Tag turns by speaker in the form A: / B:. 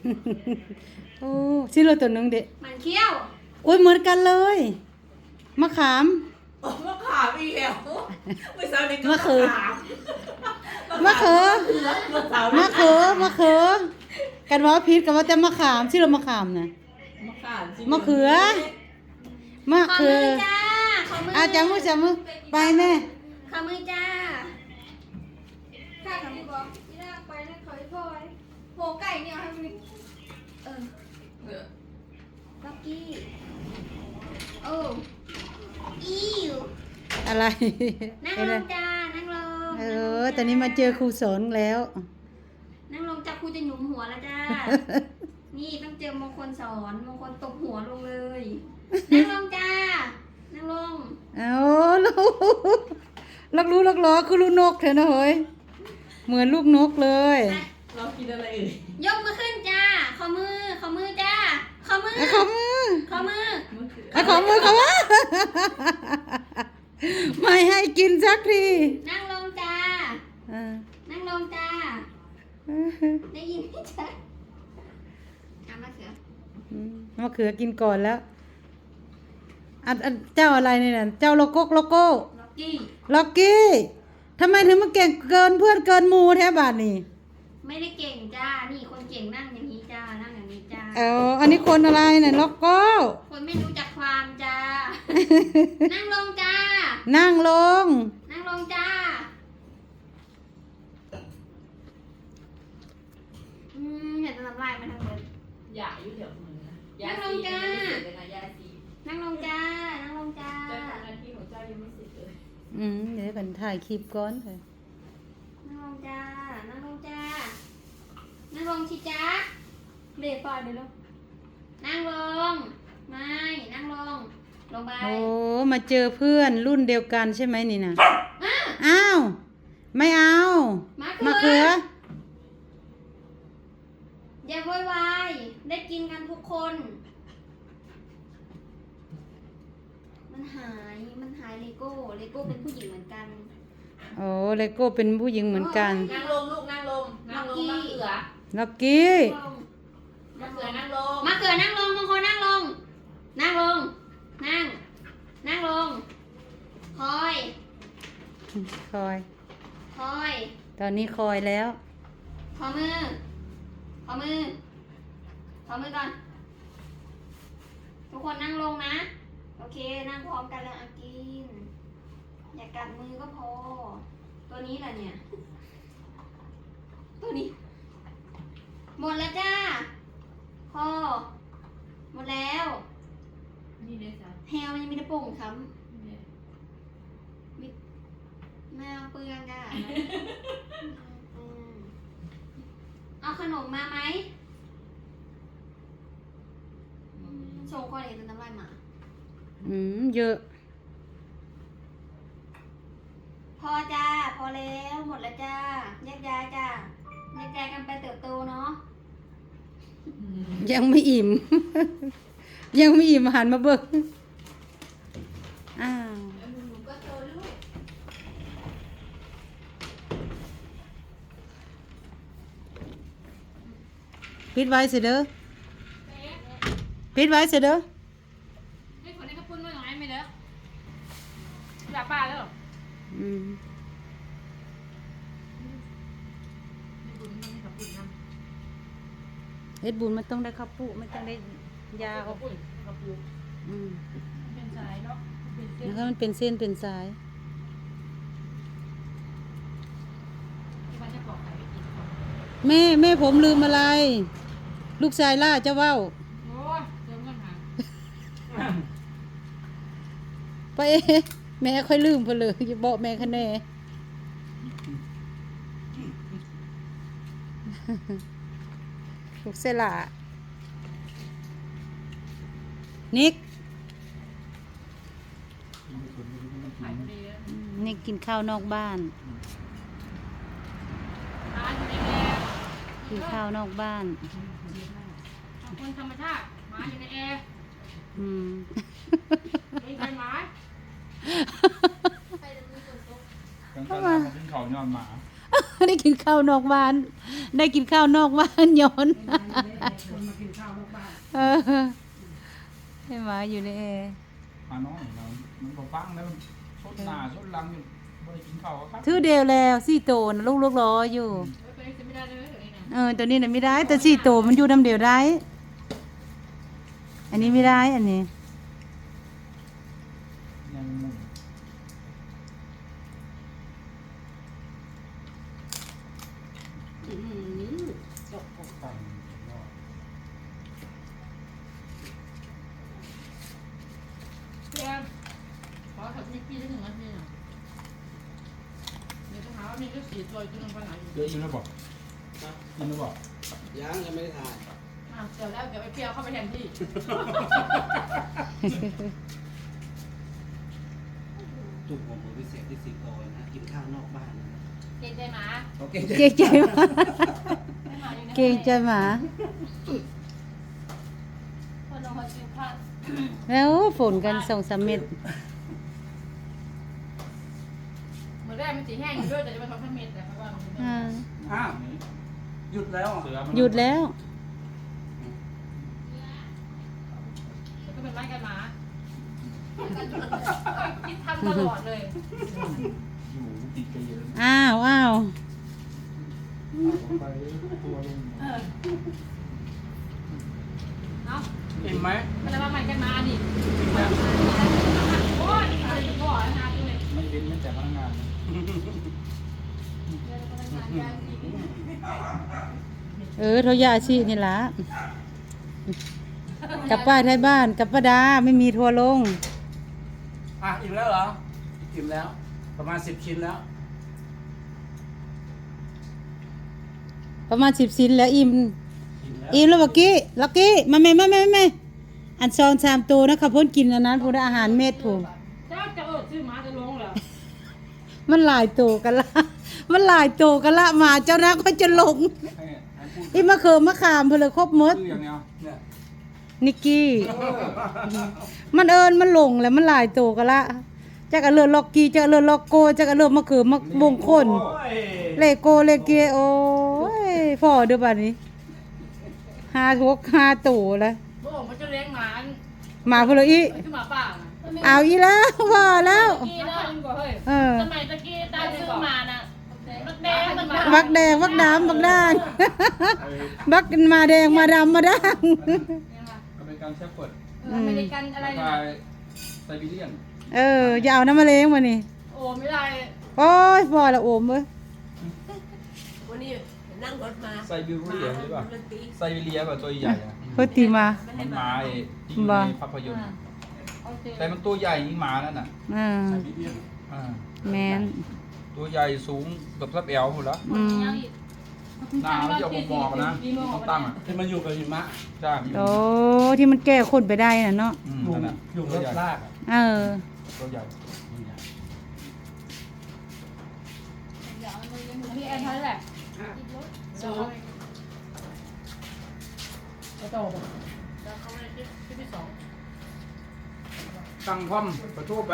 A: โอ้ชื่อเราตัวหนึงเด็
B: มันเขี้ยว
A: โอ้ยเหมือนกันเลยมะขาม
C: มะขามอีกแล้วเมื่อเช้านี้ก็
A: มะเขือ
C: มะเขือ
A: มะเขือมะเขือกันว่าพิษกันว่าแต่มะขามชื่อเรามะขามนะ
C: มะขาม
A: มะเขือมะ
B: ขอ
A: เขื
B: มื
A: อ
B: อจ้าขอมือ
A: อาจับมือไปแม่
B: ขอมือจ้าข้าขอมือบอกนี่น่าไปนะขอให้พ่อยโหไก่เนี่ยให้มันล็อกกี้โอ้อิว
A: อะไร
B: นั่ง
A: เป็น
B: ล
A: ไร
B: งจ้านั่งลง
A: ตอนนี้มาเจอครูสอนแล้ว
B: นั่งลงจ้าครูจะหยุมหัวแล้วจ้า นี่ต้องเจอมงคลสอนมงคลตบหัวลงเลย นั่งลงจ้า นั่งลง
A: เอาลักรู้ลักล้อคือลูกนกเถอะนะเฮ้ยเหมือนลูกนกเลย
C: เรากินอะไรเอ่ย
B: ยกมือขึ้นจ้า ขอมือ ขอมือจ้า ขอมือ
A: ขอมือ
B: ขอมือ
C: มะเขือ
A: ขอมือขอมือไม่ให้กินสักที
B: นั่งลงจ้า
A: อ่า
B: นั่งลงจ้า ได้ยินไหมจ๊ะเอามาเขือ
A: มะเขือกินก่อนแล้วอันเจ้าอะไรเนี่ยเจ้าโลโก้
B: ล็อกกี้
A: ล็อกกี้ทำไมถึงมาเก่งเกินเพื่อนเกินหมูแท้บาทนี่
B: ไม่ได้เก่งจ้า นี่คนเก่งนั่งอย่างนี้จ้า นั่งอย่างนี้จ้า
A: อันนี้คนอะไรเนี่ยล็อกโก้
B: คนไม่รู้จักความจ้า นั่งลงจ้า
A: นั่งลง
B: นั่งลงจ้า เห็นน้ำลายมาทางเดิน
C: ยาอยู่แถวมือนะยาสียังไม่เสร็จเลยนะยาสี
B: นั่งลงจ้า นั่งลงจ้า
C: เจ้าของงานที่ของเจ้ายังไม่เสร็จเลย
A: เดี๋ยวกันถ่ายคลิปก่อนเลย
B: นั่งลงจ้า นั่งลงจ้า นั่งลงชิจ้าเบรกปล่อยไปลูกนั่งลง ไม่ นั่งลง ลงไป
A: โอ้มาเจอเพื่อนรุ่นเดียวกันใช่ไหมนี่นะ
B: อ่ะ
A: อ้าว ไม่เอา
B: มะเขือ
A: อ
B: อย่าโวยวาย ได้กินกันทุกคน มันหายเลโก้เป็นผู้หญิงเหมือนกัน
A: โอ้เลโก้เป็นผู้หญิงเหมือนกัน
C: นั่งลงลูกนั่งลงนั่งลงมะเขือ
A: ล็อกกี้
C: มะเขือนั่งลง
B: มะเขือนั่งลงมงคลนั่งลง นั่งลง นั่ง นั่งลง คอย
A: คอย
B: คอย
A: ตอนนี้คอยแล้ว
B: ขอมือ ขอมือ ขอมือก่อน ทุกคนนั่งลงนะ โอเค นั่งพร้อมกันแล้วอากิน อย่ากัดมือก็พอ ตัวนี้แหละเนี่ย ตัวนี้ หมดแล้วจ้า พอ หมดแล้ว
C: นี่เลยจ้ะ
B: แฮวมันยังมีแต่โป่งค้
C: นี่เลย
B: ำแมวเปลืองจ้าเอาขนมมาไหมโชว์คนเห็นน้ำลายหมา
A: เยอะ
B: พอจ้า พอแล้วหมดแล้วจ้าแยกย้ายจ้าแยกย้ายกันไปเติบโตเนาะ
A: ยังไม่อิ่ม ยังไม่อิ่มหันมาเบิกอ้าว
C: แล้วหนูก็โตลูก
A: ปิดไว้สิเด้อปิดไว้สิเด้อ
C: ให้คนนี้เขาพูดว่าอย่างไรไม่เด้อด่าป้าแล้ว
A: อืม
C: ไม่บุญมันไม่ขับปุ่นนะ
A: เฮ็ดบุญมันต้องได้ข้าวปุมันต้องได้ยา
C: ขับปุ่นขับปุ่น
A: อืม
C: เป็นสายเนาะเป็นเส้น
A: แล้วก็มันเป็นเส้นเป็นสาย
C: ที่มันจะปลอกไข่ไปกินก่อน
A: แม่ผมลืมอะไร ลูกชายล่าเจ้าเว้า
C: โอ้ยเจอเงินหา
A: ไปแม่ค่อยลืมเพนเลยอย่าบอกแม่คะแน่ลูกเสยหล่านิก
C: ขายพอดีเลย
A: นิกกินข้าวนอกบ้าน
C: ร้านอยู่ในแอร์
A: กินข้าวนอกบ้าน
C: ของคนธรรมชาติหมาอยู่ในแอร์
A: อืม
C: ไม่ใช่หมา
D: กันกันมาขึ้นเขาย้อนหมา
A: ได้กินข้าวนอกบ้าน ได้กินข้าวนอกบ้านย้อน
D: คนมากินข้าวนอกบ้าน
A: เออให้หมาอยู่ในแอร์
E: มาน้อยเรามันบ่ฟังแล้วสุดหน้าสุดหลังอยู่บ่ได้กินข้าวครับ
A: ถือเดียวแล้วสี่โตนะลูกๆรออยู่
C: ไปจะไม่ได้เลยตัวนี้นะ
A: ตัวนี้น่ะไม่ได้ แต่สี่โตมันอยู่น้ำเดียวได้ อันนี้ไม่ได้ อันนี้
E: ยังมุ่ง
D: จบ
E: ไป
C: เพื่อนขอถัดมิกกี้ได้ถึงนาทีหน่อยเดี๋ยวต้องหาว่ามีก็สีตัวตัวนึงไปไหนอยู่
E: เยอะอยู่แล้วบ่กินแล้วบ่
D: ยังไม่ได้ถ่าย
C: เดี๋ยวแล้วเดี๋ยวไปเปรี้ยวเข้าไปแทนที่
D: จุกผมพิเศษที่สิงโตนะกินข้าวนอกบ้านนะ
C: เกรงใจหมา
D: โอเค
A: เก่งใจหมา
C: ให้หมาอยู่ใน
A: เก่งใจหมา
C: คนลงมาชิวข้าว
A: แล้วฝนกัน2-3 เม็ด
C: เหมือนแรกมันสีแห้งอยู่ด้วยแต่จะมาทำให้เม็ดแต่เพราะว่ามัน
A: อ่า
D: อ้าวหยุดแล้วอ่ะ
E: เสือมัน
A: หยุดแล้ว
C: มันก็เป็นไม้กันหมาคิดทำตลอดเลย
E: อยู่ติดกันเยอะ
A: อ้าว
E: ไปตัวลง
C: เอ้า
D: เห็นไหม
C: มันจะมาใหม่กันมาดิโอ้ยอะไรจะบอกนะตัวเลย
E: ไม่เป็นแม้แต่พนักงาน
A: เขายาชีนี่ล่ะกับป้าไทยบ้านกับป้าดาไม่มีทัวร์ลง
D: อ่ะอิ่มแล้วเหรออิ่มแล้ว ประมาณ10 ชิ้นแล้ว
A: ประมาณ10 ชิ้นแล้วอิ่ม
D: อิ่มแล้ว
A: แล้วเมื่อกี้ลักกี้มาแม่อัน2-3 ตัวนะขับพ้นกินอันนั้นพูดอาหารเม็ดผู
C: เจ้าจะชื่อหมาจะลงเหรอ
A: มันหลายตัวกันละ มันหลายตัวกันละมาเจ้านักก็จะลง
E: ให้พูด
A: อีมะเขือมะขามเพนเลยครบหมด
E: ชื่ออย่างเดียว
D: เนี่ย
A: นิกกี้ มันเอิญมันหลงแล้วมันหลายตัวกันละจักอะเลือล็อกกี้จักอะเลือล็อกโกจักอะเลือมะเขือมะบงคน
D: โอ้ย
A: เลโกเลเกโอ้ยพ่อเด้อบัดนี้5 ตัวแล้ว
C: โอ้มันจะเลี้ยงหมา
A: มาเพนเลยอี
C: คือหมาป่า
A: เอาอีแล้วพ่อแล้ว
C: กี้นะยิ่งกว่าเฮ้ย
A: เออ
C: สมัยตะกี้ตาซื้อมาน่ะบักแดงมันมา
A: บักแดงบักดำบักด่าง บักมาแดงมาดำมาด่าง
E: อเมริกันเชฟเฟิร์ด
C: อเมริกันอะไร
E: แล้ว
C: เนี่ย
E: ก็ไซบีเรียน
A: อย่าเอาน้ำมะเร็งมานี่
C: โอ้ไม่ได้
A: โอ้ยพอละโอมเว้ย
F: วันนี้นั่งรถมา
E: ไซบีเรียนหรือเปล่าไซบีเรียแบบตัวใหญ่อะ
A: เพิ่นตีมา
E: มันหมาไอ้ที่อยู่ในภาพยนตร์
C: โอเค
E: แต่มันตัวใหญ่ยิ่งหมานั่นน่ะ
A: อ่า
D: ไซบีเรียน
E: อ่า
A: แมน
E: ตัวใหญ่สูงเกับทับแอลหมดแล้ว
A: อืม
E: หน้ามันจะออกหมอกๆนะต้องตั้งอ่ะ
D: ที่มันอยู่กับหิมะ
E: ใช่
A: โอ้ที่มันแก้คนไปได้น่ะเนาะ
D: อยู่
E: นั่นน่ะ
D: อยู่
E: ตั
D: ร
E: ว
D: ถ
E: ใหญ่
D: ลากอ่ะ
A: เออ
E: ตัวใหญ่
C: พี่แอนเท่านั้นแหละ
F: สอง
C: กระโตกแล้วเขาไม่ได้ที่ที่สอง
E: ตั้งพร้อมประตูไป